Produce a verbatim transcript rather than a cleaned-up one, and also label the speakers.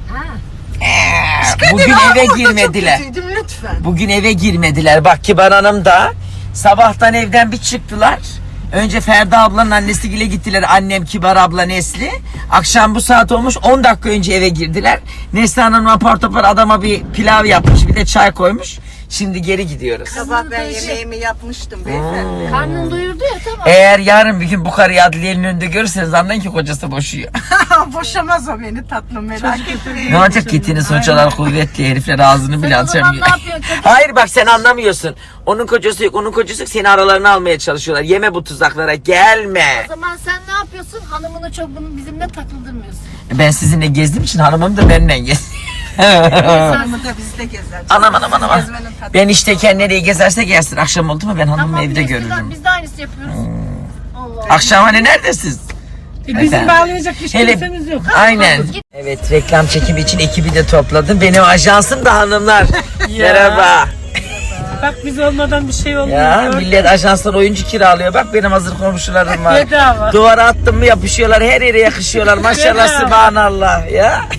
Speaker 1: Ee, bugün eve girmediler.
Speaker 2: Lütfen.
Speaker 1: Bugün eve girmediler. Bak Kibar Hanım da sabahtan evden bir çıktılar. Önce Ferda ablanın annesiyle gittiler. Annem, Kibar abla, Nesli. Akşam bu saat olmuş. on dakika önce eve girdiler. Nesli Hanım apar topar adama bir pilav yapmış. Bir de çay koymuş. Şimdi geri gidiyoruz.
Speaker 2: Sabah ben yemeğimi yapmıştım beyefendi.
Speaker 3: Karnını doyurdu ya tamam.
Speaker 1: Eğer yarın bir gün bu karıyı adliyenin önünde görürseniz anlayın ki kocası boşuyor.
Speaker 2: Boşamaz o beni tatlım, merak etmeyin.
Speaker 1: Ne olacak Kitty'nin sonuç olarak kuvvetli herifler ağzını bile
Speaker 3: Sen o zaman
Speaker 1: açamıyor.
Speaker 3: ne yapıyorsun?
Speaker 1: Hayır bak sen anlamıyorsun. Onun kocası yok, onun kocası yok. Seni aralarına almaya çalışıyorlar. Yeme bu tuzaklara, gelme.
Speaker 3: O zaman sen ne yapıyorsun? Hanımını çok bunu bizimle takıldırmıyorsun.
Speaker 1: Ben sizinle gezdiğim için hanımım da benimle gez.
Speaker 2: Hanımı da bizde gezer.
Speaker 1: Anam anam anam.
Speaker 2: Gezmenin tadı.
Speaker 1: Ben işteyken nereye gezerse gelsin. Akşam oldu mu ben hanımımı
Speaker 3: Tamam,
Speaker 1: evde
Speaker 3: biz de-
Speaker 1: görürüm.
Speaker 3: Biz de aynısı yapıyoruz. Allah.
Speaker 1: Akşam hani neredesiniz?
Speaker 4: E, bizim bağlayacak hiç
Speaker 1: Hele-
Speaker 4: kimsemiz yok.
Speaker 1: Aynen. Evet reklam çekimi için ekibi de topladım. Benim ajansım da hanımlar. Merhaba.
Speaker 4: Bak biz olmadan bir şey olmuyor.
Speaker 1: Ya millet ajanslar oyuncu kiralıyor. Bak benim hazır komşularım var.
Speaker 4: Bedava.
Speaker 1: Duvara attım mı yapışıyorlar. Her yere yakışıyorlar. Maşallah
Speaker 4: Bedava.
Speaker 1: subhanallah ya.